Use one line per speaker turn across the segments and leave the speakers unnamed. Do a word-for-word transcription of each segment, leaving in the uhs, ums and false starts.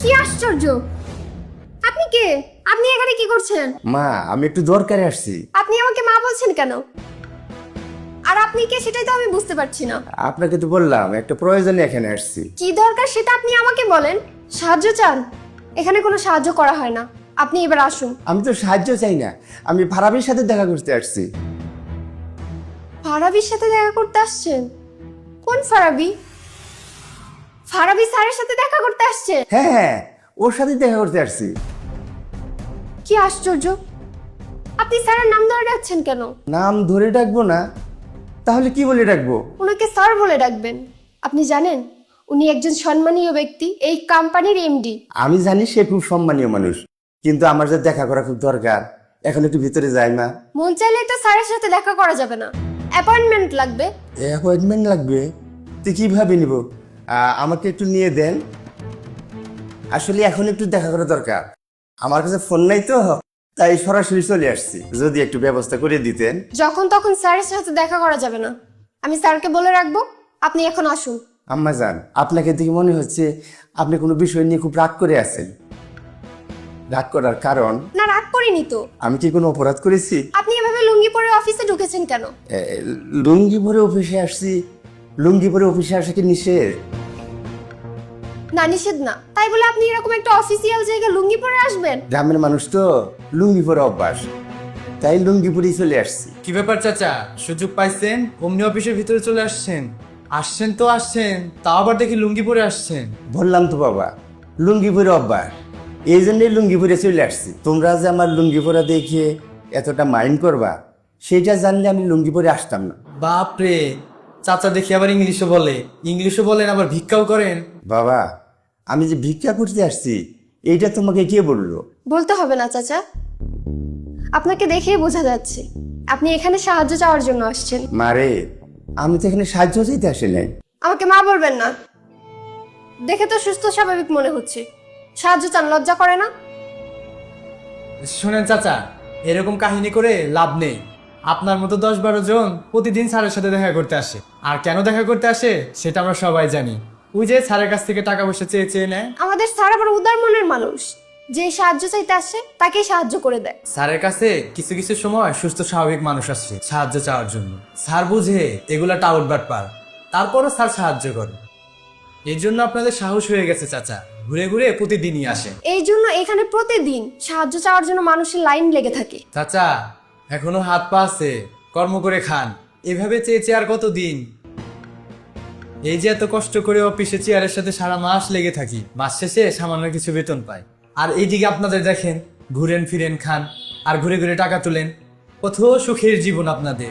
কি আশ্চর্য! আপনি কে? আপনি এখানে কি করছেন?
মা, আমি একটু দরকারে আসছি।
আপনি আমাকে মা বলছেন কেন? আর আপনি কে সেটাই তো আমি বুঝতে পারছি না।
আপনাকে তো বললাম একটা প্রয়োজনে এখানে আসছি।
কি দরকার সেটা আপনি আমাকে বলেন। সাহায্য চান? এখানে কোনো সাহায্য করা হয় না। আপনি এবার আসুন।
আমি তো সাহায্য চাই না, আমি ফারাবির সাথে দেখা করতে আসছি।
ফারাবির সাথে দেখা করতে আসছেন? কোন ফারাবি? ফারাবি স্যারের সাথে দেখা করতে আসছে?
হ্যাঁ হ্যাঁ, ওর সাথে দেখা করতে আসছি।
কি আশ্চর্য! আপনি স্যারের নাম ধরে ডাকছেন কেন?
নাম ধরে ডাকবো না, তাহলে কি বলে ডাকবো?
ওনাকে স্যার বলে ডাকবেন। আপনি জানেন উনি একজন সম্মানীয় ব্যক্তি, এই কোম্পানির এমডি।
আমি জানি সে খুব সম্মানীয় মানুষ, কিন্তু আমার যে দেখা করা খুব দরকার। এখন একটু ভিতরে যাই মা।
মন চাইলে তো স্যারের সাথে দেখা করা যাবে না, অ্যাপয়েন্টমেন্ট লাগবে।
অ্যাপয়েন্টমেন্ট লাগবে? তুই কিভাবে নিব? আহ, আমাকে একটু নিয়ে দেন। আসলে এখন একটু দেখা করা দরকার। আমার কাছে ফোন নাই তো, তাই সরাসরি চলে আসছি। যদি একটু ব্যবস্থা করে দিতেন।
যখন তখন স্যারের সাথে দেখা করা যাবে না। আমি স্যারকে বলে রাখবো, আপনি এখন আসুন।
আম্মা জান, আপনাকে দেখে মনে হচ্ছে আপনি কোনো বিষয় নিয়ে খুব রাগ করে আছেন। রাগ করার কারণ?
না, রাগ করিনি তো।
আমি কি কোনো অপরাধ করেছি?
আপনি এভাবে লুঙ্গি পরে অফিসে ঢুকেছেন কেন?
এ, লুঙ্গি পরে অফিসে আসছি। লুঙ্গি পরে অফিসে আসা কি নিষেধ?
না, নিষেধ না। তাই বলে আপনি এরকম একটা অফিসিয়াল জায়গায় লুঙ্গি পরে আসবেন?
গ্রামের মানুষ তো, লুঙ্গি পরে অভ্যাস, তাই লুঙ্গি পরেই চলে আসছি।
কি ব্যাপার চাচা, সুযোগ পাইছেন অমনি অফিসের ভিতরে চলে আসছেন? আসছেন তো আসছেন, তাও আবার দেখি লুঙ্গি পরে আসছেন।
বললাম তো বাবা, লুঙ্গি পরে অভ্যাস, এই জন্যই লুঙ্গি পরে চলে আসছি। তোমরা যে আমার লুঙ্গি পরা দেখে এতটা মাইন্ড করবা, সেটা জানলে আমি লুঙ্গি পরে আসতাম না।
বাপ রে, চাচা দেখি আবার ইংলিশও বলে। ইংলিশও বলেন, আবার ভিক্ষাও করেন।
বাবা, আমি যে ভিক্ষা করতে আসছি এইটা তোমাকে কে বললো?
বলতে হবে না চাচা, আপনাকে দেখেই বোঝা যাচ্ছে আপনি এখানে সাহায্য চাওয়ার জন্য আসছেন।
মারে, আমি তো এখানে সাহায্য চাইতে আসি নাই।
আমাকে মা বলবেন না। দেখে তো সুস্থ স্বাভাবিক মনে হচ্ছে। সাহায্য চান, লজ্জা করে না?
শোনেন চাচা, এরকম কাহিনী করে লাভ নেই। আপনার মতো দশ বারো জন প্রতিদিন স্যারের সাথে দেখা করতে আসে। আর কেন দেখা করতে আসে সেটা আমরা সবাই জানি। ওই যে স্যারের কাছ থেকে টাকা পয়সা চেয়ে চেয়ে নেয়।
আমাদের স্যার আবার উদার মনের মানুষ, যে সাহায্য চাইতে আসে তাকেই সাহায্য করে দেয়।
স্যারের কাছে কিছু কিছু সময় সুস্থ স্বাভাবিক মানুষ আসছে সাহায্য চাওয়ার জন্য। স্যার বুঝে এগুলা টাউট বাটপার, তারপরও স্যার সাহায্য করে। এই জন্য আপনাদের সাহস হয়ে গেছে চাচা, ঘুরে ঘুরে প্রতিদিনই আসে।
এই জন্য এখানে প্রতিদিন সাহায্য চাওয়ার জন্য মানুষের লাইন লেগে থাকে।
চাচা, এখনো হাত পা আছে, কর্ম করে খান। এভাবে চেয়ে চেয়ে আর কতদিন? এই যে এত কষ্ট করে অফিসে চেয়ারের সাথে সারা মাস লেগে থাকি, মাস শেষে সামান্য কিছু বেতন পাই। আর এইদিকে আপনাদের দেখেন, ঘুরেন ফিরেন খান আর ঘুরে ঘুরে টাকা তুলেন। কত সুখের জীবন আপনাদের।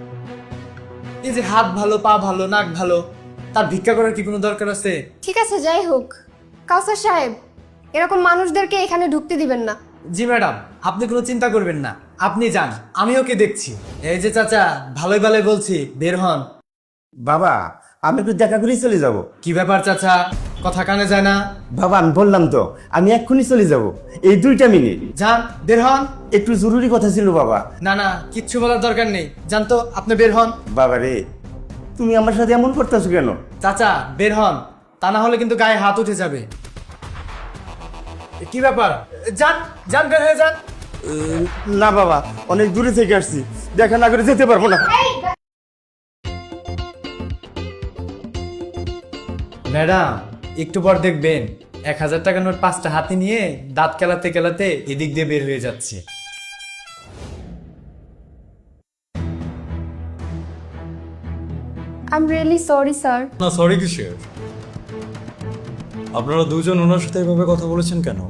এই যে হাত ভালো, পা ভালো, নাক ভালো, তার ভিক্ষা করার কি কোনো দরকার আছে?
ঠিক আছে, যাই হোক। কাউসার সাহেব, এরকম মানুষদেরকে এখানে ঢুকতে দিবেন না।
জি ম্যাডাম, আপনি কোনো চিন্তা করবেন না, আপনি যান, আমি ওকে দেখছি। এই যে চাচা, ভালোই ভালোই বলছি, বের হন।
বাবা, আমি একটু দেখা করেই চলে যাব।
কি ব্যাপার চাচা, কথা কানে যায় না?
বাবা, আমি বললাম তো আমি এক্ষুনি চলে যাব, এই দুইটা মিনিট।
যান, বের হন।
একটু জরুরি কথা ছিল বাবা।
না না, কিচ্ছু বলার দরকার নেই, যান তো, আপনি বের হন।
বাবা রে, তুমি আমার সাথে এমন করতেছো কেন?
চাচা বের হন, তা না হলে কিন্তু গায়ে হাত উঠে যাবে। কি ব্যাপার, যান যান, বের হয়ে যান।
উম, না বাবা, অনেক দূরে থেকে আসছি, দেখা না করে যেতে পারবো না।
ম্যাডাম, একটু পর দেখবেন এক হাজার টাকা নোট পাঁচটা হাতে নিয়ে দাঁত কেলাতে কেলাতে এদিক দিয়ে বের হয়ে যাচ্ছে।
I am really sorry sir.
না, সরি কিসের? আপনারা দুজন ওনার সাথে এভাবে কথা বলেছেন কেন?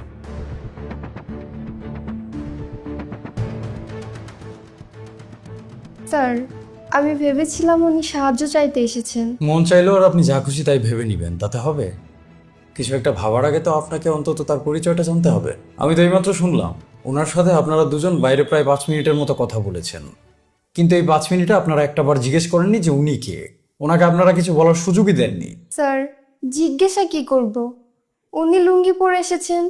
স্যার, আমি ভেবেছিলাম উনি সাহায্য চাইতে এসেছেন।
মন চাইলেও আর আপনি যা খুশি তাই ভেবে নিবেন, তাতে হবে? কিছু একটা ভাবার আগে তো আপনাকে অন্তত তার পরিচয়টা জানতে হবে। আমি তো এইমাত্র শুনলাম ওনার সাথে আপনারা দুজন বাইরে প্রায় পাঁচ মিনিটের মতো কথা বলেছেন, কিন্তু এই পাঁচ মিনিটে আপনারা একটা বার জিজ্ঞেস করেননি যে উনি কে। ওনাকে আপনারা কিছু বলার সুযোগই দেননি।
স্যার, জিজ্ঞাসা কি করব? উনি লুঙ্গি পরে এসেছেন,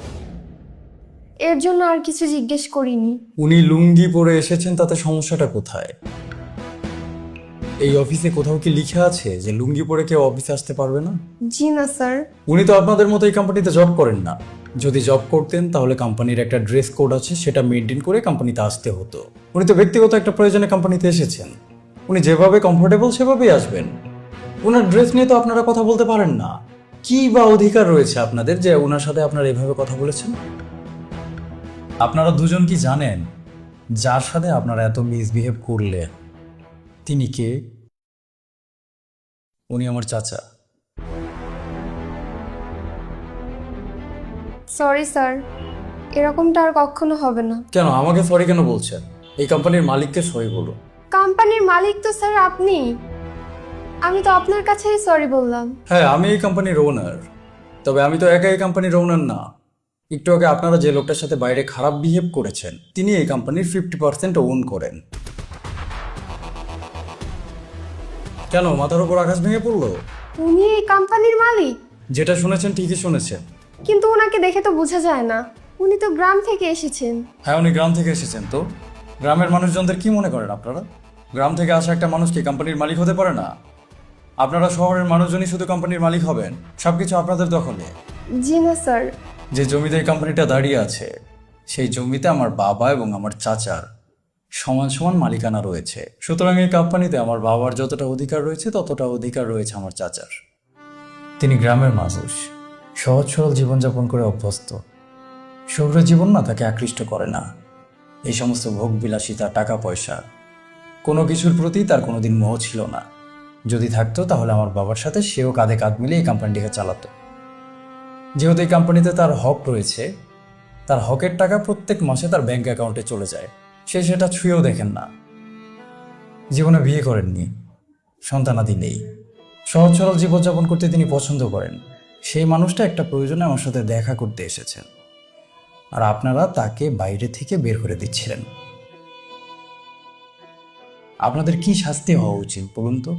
এর জন্য আর কিছু জিজ্ঞেস করিনি।
উনি লুঙ্গি পরে এসেছেন, তাতে সমস্যাটা কোথায়? এই অফিসে কোথাও কি লিখে আছে যে লুঙ্গি পরে কেউ অফিসে আসতে পারবে না?
জি না স্যার।
উনি তো আপনাদের মতো এই কোম্পানিতে জব করেন না। যদি জব করতেন তাহলে কোম্পানির একটা ড্রেস কোড আছে, সেটা মেনটেন করে কোম্পানিতে আসতে হতো। উনি তো ব্যক্তিগত একটা প্রয়োজনে কোম্পানিতে এসেছেন, উনি যেভাবে কমফোর্টেবল সেভাবেই আসবেন। ওনার ড্রেস নিয়ে তো আপনারা কথা বলতে পারেন না। কি বা অধিকার রয়েছে আপনাদের যে ওনার সাথে আপনারা এভাবে কথা বলেছেন? আপনারা দুজন কি জানেন যার সাথে আপনারা এত মিসবিহেভ করলে তিনি কে? উনি আমার চাচা।
সরি স্যার, এরকমটা আর কখনো হবে না।
কেন আমাকে সরি কেন বলছেন? এই কোম্পানির মালিককে সরি বলুন।
কোম্পানির মালিক তো স্যার আপনি, আমি তো আপনার কাছেই সরি বললাম।
হ্যাঁ, আমি এই কোম্পানির ওনার, তবে আমি তো একা এই কোম্পানির ওনার না। একটু আগে আপনারা যে লোকটার সাথে বাইরে খারাপ বিহেভ করেছেন তিনি এই কোম্পানির ফিফটি পার্সেন্ট ওন করেন। কেন মাথার উপর আকাশ ভেঙে পড়লো?
উনি এই কোম্পানির মালিক?
যেটা শুনেছেন ঠিকই শুনেছেন।
কিন্তু ওনাকে দেখে তো বোঝা যায় না, উনি তো গ্রাম থেকে এসেছেন।
হ্যাঁ, উনি গ্রাম থেকে এসেছেন। তো গ্রামের মানুষজনদের কি মনে করেন আপনারা? গ্রাম থেকে আসা একটা মানুষ কি কোম্পানির মালিক হতে পারে না? আপনারা শহরের মানুষজনই শুধু কোম্পানির মালিক হবেন, সবকিছু আপনাদের দখলে।
জি না স্যার।
যে জমিতে এই কোম্পানিটা দাঁড়িয়ে আছে সেই জমিতে আমার বাবা এবং আমার চাচার সমান সমান মালিকানা রয়েছে। সুতরাং এই কোম্পানিতে আমার বাবার যতটা অধিকার রয়েছে ততটা অধিকার রয়েছে আমার চাচার। তিনি গ্রামের মানুষ, সহজ সরল জীবনযাপন করে অভ্যস্ত। শহুরে জীবন না তাকে আকৃষ্ট করে না। এই সমস্ত ভোগ বিলাসিতা, টাকা পয়সা, কোনো কিছুর প্রতি তার কোনোদিন মোহ ছিল না। যদি থাকতো তাহলে আমার বাবার সাথে সেও কাঁধে কাঁধ মিলিয়ে এই কোম্পানিটিকে চালাতো। যেহেতু এই কোম্পানিতে তার হক রয়েছে, তার হকের টাকা প্রত্যেক মাসে তার ব্যাংক অ্যাকাউন্টে চলে যায়। সে সেটা ছুঁয়েও দেখেন না। জীবনে বিয়ে করেননি, সন্তানাদি নেই, সহজ সরল জীবনযাপন করতে তিনি পছন্দ করেন। সেই মানুষটা একটা প্রয়োজনে আমার সাথে দেখা করতে এসেছেন, আর আপনারা তাকে বাইরে থেকে বের করে দিচ্ছিলেন। আপনাদের কি শাস্তি হওয়া উচিত বলুন তো?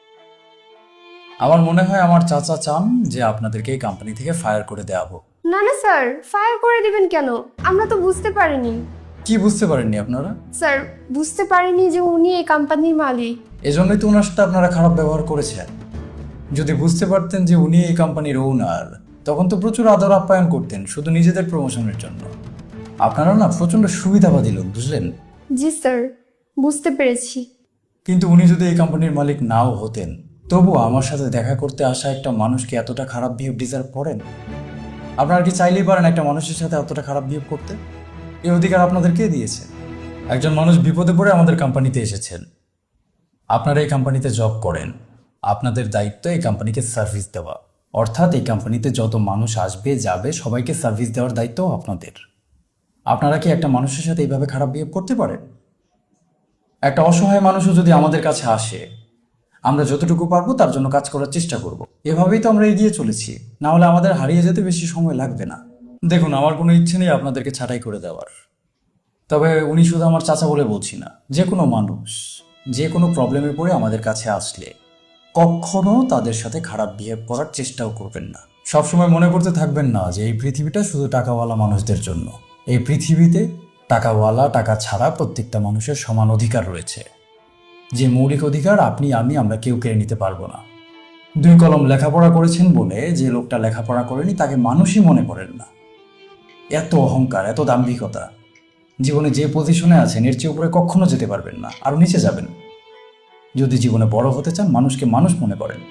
আমার মনে হয় আমার চাচা চান যে আপনাদেরকে এই কোম্পানি থেকে ফায়ার করে দেওয়া হোক।
না না স্যার, ফায়ার করে দিবেন কেন? আমরা তো বুঝতে পারিনি।
কি বুঝতে পারেননি আপনারা?
স্যার, বুঝতে পারিনি যে উনি এই কোম্পানির মালিক।
এজন্যই তো ওনার সাথে আপনারা খারাপ ব্যবহার করেছেন। যদি বুঝতে পারতেন যে উনি এই কোম্পানির ওনার, তখন তো প্রচুর আদর আপ্যায়ন করতেন শুধু নিজেদের প্রমোশনের জন্য। আপনারা না প্রচন্ড সুবিধাবাদী লোক, বুঝলেন?
জি স্যার, বুঝতে পেরেছি।
কিন্তু উনি যদি এই কোম্পানির মালিক নাও হতেন, তবুও আমার সাথে দেখা করতে আসা একটা মানুষকে এতটা খারাপ বিহেভ ডিজার্ভ করেন? আপনারা কি চাইলেই পারেন একটা মানুষের সাথে এতটা খারাপ বিহেভ করতে? এই অধিকার আপনাদের কে দিয়েছে? একজন মানুষ বিপদে পড়ে আমাদের কোম্পানিতে এসেছেন, আপনারা এই কোম্পানিতে জব করেন, আপনাদের দায়িত্ব এই কোম্পানিকে সার্ভিস দেওয়া। অর্থাৎ এই কোম্পানিতে যত মানুষ আসবে যাবে সবাইকে সার্ভিস দেওয়ার দায়িত্ব আপনাদের। আপনারা কি একটা মানুষের সাথে এইভাবে খারাপ বিহেভ করতে পারেন? একটা অসহায় মানুষও যদি আমাদের কাছে আসে, আমরা যতটুকু পারবো তার জন্য কাজ করার চেষ্টা করব। এভাবেই তো আমরা এগিয়ে চলেছি, না হলে আমাদের হারিয়ে যেতে বেশি সময় লাগবে না। দেখুন, আমার কোনো ইচ্ছে নেই আপনাদেরকে ছাঁটাই করে দেওয়ার। তবে উনি শুধু আমার চাচা বলে বলছি না, যে কোনো মানুষ যে কোনো প্রবলেমে পড়ে আমাদের কাছে আসলে কখনো তাদের সাথে খারাপ বিহেভ করার চেষ্টাও করবেন না। সবসময় মনে করতে থাকবেন না যে এই পৃথিবীটা শুধু টাকাওয়ালা মানুষদের জন্য। এই পৃথিবীতে টাকাওয়ালা, টাকা ছাড়া প্রত্যেকটা মানুষের সমান অধিকার রয়েছে, যে মৌলিক অধিকার আপনি আমি আমরা কেউ কেড়ে নিতে পারবো না। দুই কলম লেখাপড়া করেছেন বলে যে লোকটা লেখাপড়া করেনি তাকে মানুষই মনে করেন না। এত অহংকার, এত দাম্ভিকতা, জীবনে যে পজিশনে আছেন এর চেয়ে উপরে কখনো যেতে পারবেন না, আরও নিচে যাবেন। যদি জীবনে বড় হতে চান, মানুষকে মানুষ মনে করেন।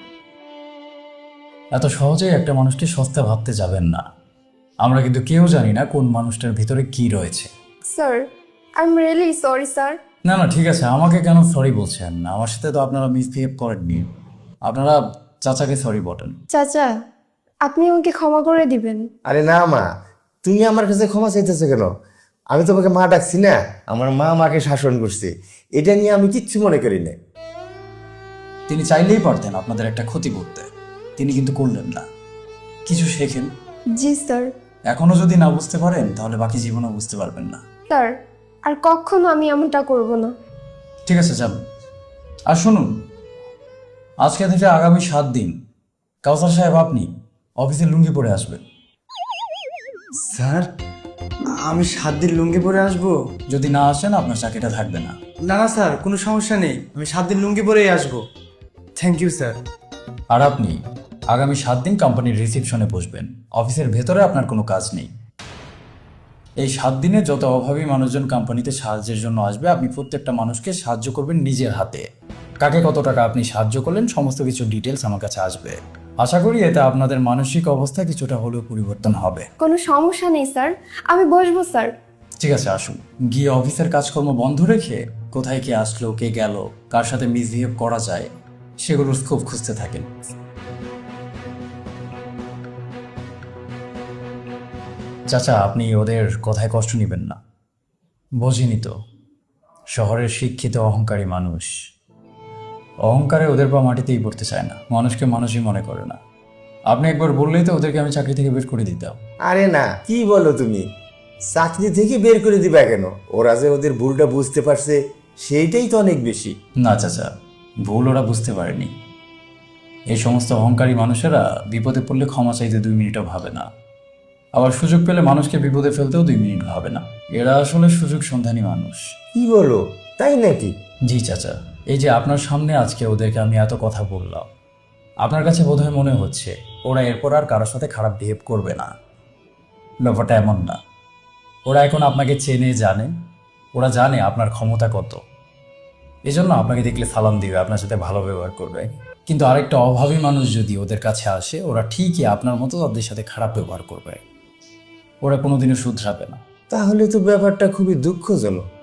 এত সহজেই একটা মানুষকে সস্তা ভাবতে যাবেন না। আমরা কিন্তু কেউ জানি না কোন মানুষটার ভিতরে কি রয়েছে।
Sir, I am really sorry sir.
না না ঠিক আছে, আমাকে কেন সরি বলছেন? আমার সাথে তো আপনারা মিসবিহেভ করেননি, আপনারা চাচাকে সরি বলেন।
চাচা, আপনি আমাকে ক্ষমা করে দিবেন।
আরে না মা, তুমি আমার কাছে ক্ষমা চাইতেছো কেন? আমি তোমাকে মা ডাকছি না, আমার মা মাকে শাসন করছে, এটা নিয়ে আমি কিচ্ছু মনে করি না।
তিনি চাইলেই পারতেন আপনাদের একটা ক্ষতি করতে, তিনি কিন্তু করলেন না। কিছু শেখেন।
জি স্যার।
এখনো যদি না বুঝতে পারেন তাহলে বাকি জীবনও বুঝতে পারবেন না।
স্যার, আর কখনো আমি এমনটা করব না।
ঠিক আছে, যান। আর শুনুন, আজকে থেকে আগামী সাত দিন কাউসার সাহেব আপনি অফিসে লুঙ্গি পরে আসবেন।
স্যার,
আমি সাত দিন লুঙ্গি পরে আসবো?
যদি না আসেন আপনার চাকরিটা থাকবে না।
না না স্যার, কোনো সমস্যা নেই, আমি সাত দিন লুঙ্গি পরেই আসবো। Thank you sir.
আর আপনি আগামী সাত দিন কোম্পানির রিসেপশনে বসবেন। অফিসের ভেতরে আপনার কোনো কাজ নেই। এই সাত দিনে যত অভাবী মানুষজন কোম্পানিতে সাহায্যের জন্য আসবে, আপনি প্রত্যেকটা মানুষকে সাহায্য করবেন নিজের হাতে। কাকে কত টাকা আপনি সাহায্য করলেন সমস্ত কিছু ডিটেলস আমার কাছে আসবে। আশা করি এতে আপনাদের মানসিক অবস্থা কিছুটা হলেও পরিবর্তন হবে।
কোনো সমস্যা নেই স্যার, আমি বসবো স্যার।
ঠিক আছে, আসুন। গিয়ে অফিসের কাজকর্ম বন্ধ রেখে কোথায় কে আসলো, কে গেল, কার সাথে মিসবিহেভ করা যায় সেগুলোর স্কোপ খুঁজতে থাকেন। চাচা, আপনি ওদের কথায় কষ্ট নেবেন না। বোঝেনি তো, শহরের শিক্ষিত অহংকারী মানুষ, অহংকারে ওদের পা মাটিতেই পড়তে চায় না, মানুষকে মানুষই মনে করে না। আপনি একবার বললেই তো ওদেরকে আমি চাকরি থেকে বের করে দিতাম।
আরে না, কি বলো তুমি? চাকরি থেকে বের করে দিবা কেন? ওরা যে ওদের ভুলটা বুঝতে পারছে সেইটাই তো অনেক বেশি।
না চাচা, ভুল ওরা বুঝতে পারেনি। এই সমস্ত অহংকারী মানুষেরা বিপদে পড়লে ক্ষমা চাইতে দুই মিনিটও ভাবে না, আবার সুযোগ পেলে মানুষকে বিপদে ফেলতেও দুই মিনিট ভাবে না। এরা আসলে সুযোগ সন্ধানী মানুষ।
কি বলো, তাই নাকি?
জি চাচা, এই যে আপনার সামনে আজকে ওদেরকে আমি এত কথা বললাম, আপনার কাছে বোধহয় মনে হচ্ছে ওরা এরপর আর কারোর সাথে খারাপ বিহেভ করবে না। ব্যাপারটা এমন না। ওরা এখন আপনাকে চেনে, জানে, ওরা জানে আপনার ক্ষমতা কত। এজন্য আপনাকে দেখলে সালাম দিবে, আপনার সাথে ভালো ব্যবহার করবে। কিন্তু আরেকটা অভাবী মানুষ যদি ওদের কাছে আসে, ওরা ঠিকই আপনার মতো তাদের সাথে খারাপ ব্যবহার করবে। ওরা কোনোদিনও শুধরাবে না।
তাহলে তো ব্যাপারটা খুবই দুঃখজনক।